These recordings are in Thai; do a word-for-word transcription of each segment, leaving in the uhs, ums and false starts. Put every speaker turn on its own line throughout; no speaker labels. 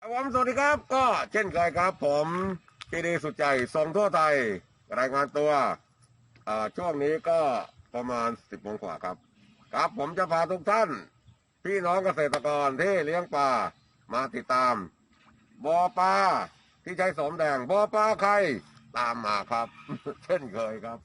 ผมสวัสดีครับก็เช่นเคยครับผมพีดีสุดใจส่งทั่วไทยรายงานตัวช่วงนี้ก็ประมาณสิบโมงกว่าครับครับผมจะพาทุกท่านพี่น้องเกษตรกรที่เลี้ยงปลามาติดตามบ่อปลาที่ใช้สมแดงบ่อปลาใครตามมาครับ เช่นเคยครับ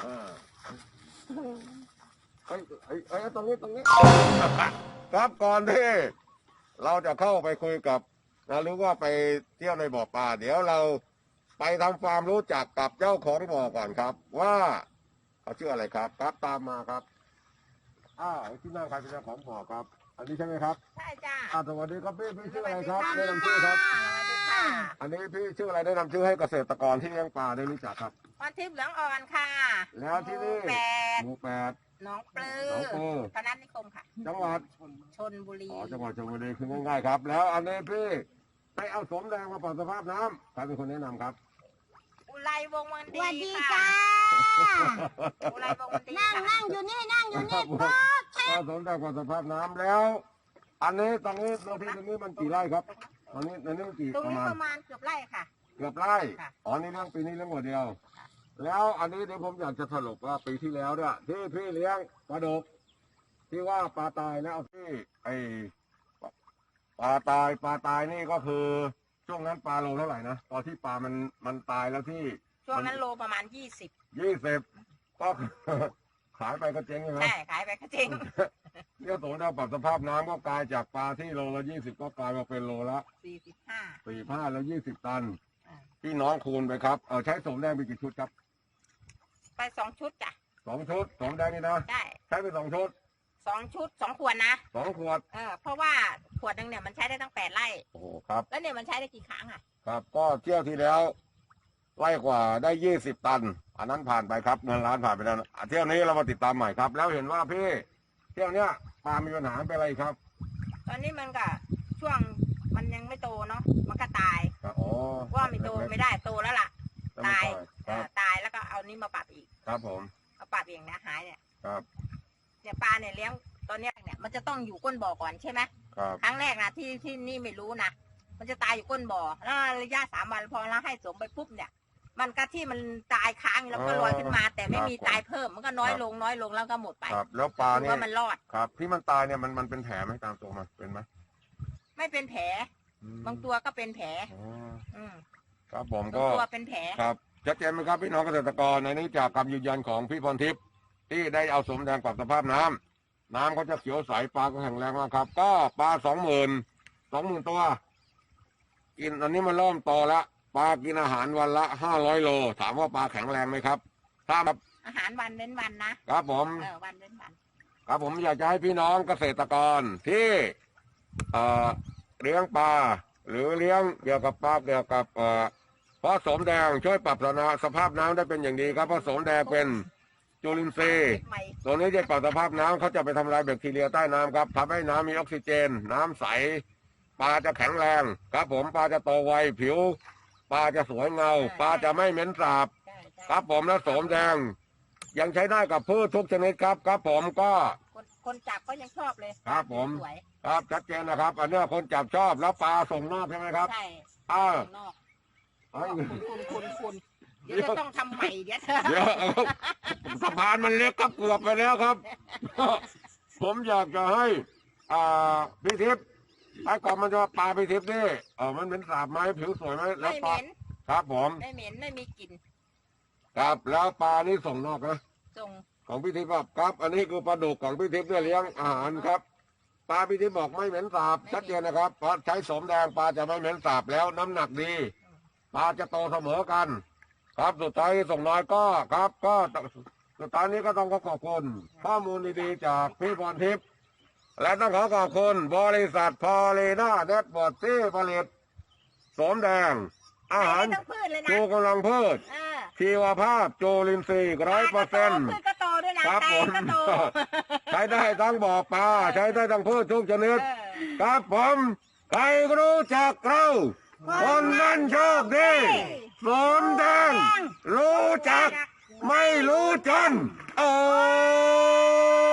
ไอ้ไอ้ไอ้ตรงนี้ตรงนี้ ครับก่อนที่เราจะเข้าไปคุยกับนะหรือว่าไปเที่ยวในบ่อปลาเดี๋ยวเราไปทำความรู้จักกับเจ้าของบ่อก่อนครับ ว่าเขาชื่ออะไรครับครับตามมาครับอ้าวที่นั่งใครเป็นเจ้าของบ่อครับ อันนี้ใช่ไหมครับ
ใช่จ้า
อ่าสวัสดีครับพี่พี่ชื่ออะไรครับแนะนำชื่อครับอันนี้พี่ชื่ออะไรแนะนำชื่อให้เกษตรกรที่เลี้ยงปลาได้รู้จักครับ
วันทิพย์เหลืองอ่อนค่ะ
แล้วที่นี่
แปด
หมู่แปด
น้องปลือ
น้องปลือ
พนัสนิคมค่ะ
จังหวัด
ชนบุรี
อ๋อจังหวัดชลบุรีคือง่ายๆครับ แล้วอันนี้พี่ไปเอาสมแดงมาปรับสภาพน้ำใครเป็นคนแนะนำครับ
อุไรวงวันดี
สวัสดี
ค่ะ
จ้า
อุไรวงวันดี
นั่งนั่งอยู่นี่นั่งอยู่นี่ป๊อกแ
เอาสมแดงปรับสภาพน้ำแล้ว อันนี้ตรงนี้ตรงที่ตรงนี้มันกี่ไร่ครับตอนนี้ตรงนี้กี่
ตรง
ประ
นี้
มาณ
ประมาณเกือบไร่ค่ะ
เกือบไร่อ๋อนี่เรื่องปีนี้เรื่องหัวเดียว แล้วอันนี้เดี๋ยวผมอยากจะสรุปว่าปีที่แล้วเนี่ยที่พี่เลี้ยงปลาดุกที่ว่าปลาตายนะเอาที่ไอปลาตายปลาตายนี่ก็คือช่วงนั้นปลาโลเท่าไหร่นะตอนที่ปลามันมันตายแล้วที่
ช่วงนั้นโลประมาณยี่สิบ
ยี่สิบก็ขายไปก็เจ๊งใช่ไหม
ใช่ขายไปก็เจ๊ง
เนี่ยตัวเราปรับสภาพน้ำก็กลายจากปลาที่โลละยี่สิบก็กลายมาเป็นโลละ
สี่สิบห้า
สี่ห้าแล้วยี่สิบตันพี่น้องคูณไปครับเออใช้สมแดงไปกี่ชุดครับ
ไปสองชุดจ้ะ
สองชุดสมแดงนี่นะ
ใช่
ใช้ไปสองชุด
สองชุดสองขวดนะ
สองขวด
เออเพราะว่าขวดนึงเนี่ยมันใช้ได้ตั้งแปดไร่
โอ้ครับ
แล้วเนี่ยมันใช้ได้กี่ครั้งอ่ะ
ครับก็เที่ยวที่แล้วไร่กว่าได้ยี่สิบตันอันนั้นผ่านไปครับเงินล้านผ่านไปแล้วเที่ยวนี้เรามาติดตามใหม่ครับแล้วเห็นว่าพี่เที่ยวเนี้ยปลามีปัญหาเป็นอะไรครับ
ตอนนี้มันก็ช่วงมันยังไม่โตเนาะมันก็ตาย
อ๋อ
ว่าไม่โตไม่ได้โตแล้วล่ะตายตายแล้วก็เอานี้มาปรับอีก
ครับผม
มาปรับเองนะหายเนี่ย
ครับ
เนี่ยปลาเนี่ยเลี้ยงตอนนี้เนี่ยมันจะต้องอยู่ก้นบ่อก่อนใช่ไหม
ครับ
ครั้งแรกนะที่ที่นี่ไม่รู้นะมันจะตายอยู่ก้นบ่อแล้วระยะสามวันพอเราให้สมไปปุ๊บเนี่ยมันก็ที่มันตายค้างแล้วก็ลอยขึ้นมา แต่ไม่มีตายเพิ่มมันก็น้อยลงน้อยลงแล้วก็หมดไป
ครับแล้วปลาเนี่ย
ว่ามันรอด
ครับที่มันตายเนี่ยมันมันเป็นแผลไหมตามตัวมันเป็นไหม
ไม่เป็นแผลบางตัวก็เป็นแผลอืม
ครับผมก็
ตัวเป็นแผล
ครับชัดเจนไหมครับพี่น้องเกษตรกรในนี้จากคำยืนยันของพี่พรทิพย์ที่ได้เอาสมแดงปรับสภาพน้ำน้ำเขาจะเขียวใสปลาก็แข็งแรงมากครับก็ปลาสองหมื่นสองหมื่นตัวกินตอนนี้มันเริ่มโตแล้วปลากินอาหารวันละห้าร้อยโลถามว่าปลาแข็งแรงไหมครับถ้า
อาหารวันเว้นวัน
นะครับผม
เออวันเว้นวัน
ครับผมอยากจะให้พี่น้องเกษตรกรที่เอ่อเลี้ยงปลาหรือเลี้ยงเกี่ยวกับปลาเกี่ยวกับเอ่อเพราะสมแดงช่วยปรับสภาพน้ำได้เป็นอย่างดีครับเพราะสมแดงเป็นจุลินทรีย์ตัวนี้จะปรับสภาพน้ำเขาจะไปทำลายแบคทีเรียใต้น้ำครับทำให้น้ำมีออกซิเจนน้ำใสปลาจะแข็งแรงครับผมปลาจะโตไวผิวปลาจะสวยเงาปลาจะไม่เหม็นสาบครับผมและสมแดงยังใช้ได้กับพืชทุกชนิดครับครับผมก็
คนจับก็ยังชอบเลย
ครับผมครับชัดเจนนะครับอันนี้คนจับชอบแล้วปลาส่งนอกใช่ไหมครับ
ใช่
อ่า
ส่งนอกคุณคุณคุณเดี๋ยวจะต้องทำใหม่เดี๋ยว
เดี๋ยวสะพานมันเล็กครับเกือบไปแล้วครับผมอยากจะให้อ่าพี่ทิพย์ไอ้ก่อนมันจะปลาพี่ทิพย์นี่เออมันเป็นสาบไหมผิวสวยไหมแล้วปลาครับผม
ไม่เหม็นไม่มีกลิ่น
ครับแล้วปลานี่ส่งนอกนะ
ส่ง
ของพี่ทิพย์ครับอันนี้คือปลาดุกของพี่ทิพย์เนี่ยเลี้ยงอาหารครับปลาพี่ทิพย์บอกไม่เหม็นสาบชัดเจนนะครับเพราะใช้สมแดงปลาจะไม่เหม็นสาบแล้วน้ำหนักดีปลาจะโตเสมอกันครับสุดท้ายส่งน้อยก็ครับก็สุดท้ายนี้ก็ต้องขอขอบคุณข้อมูลดีๆจากพี่พรทิพย์และต้องขอขอบคุณบริษัทพอลีน่าเน็ตบอร์ดที่ผลิตสมแดงอาหารชูกำลังพืชชีวภาพโจลินทรีย์ร้อยเปอร์เซ็นต์ครับผมใช้ได้ทั้งบ่อปลาใช้ได้ทั้งพืชทุกชนิดครับผมใครรู้จักเราคนนั้นโชคดีสมแดง รู้จักไม่รู้จนโอ้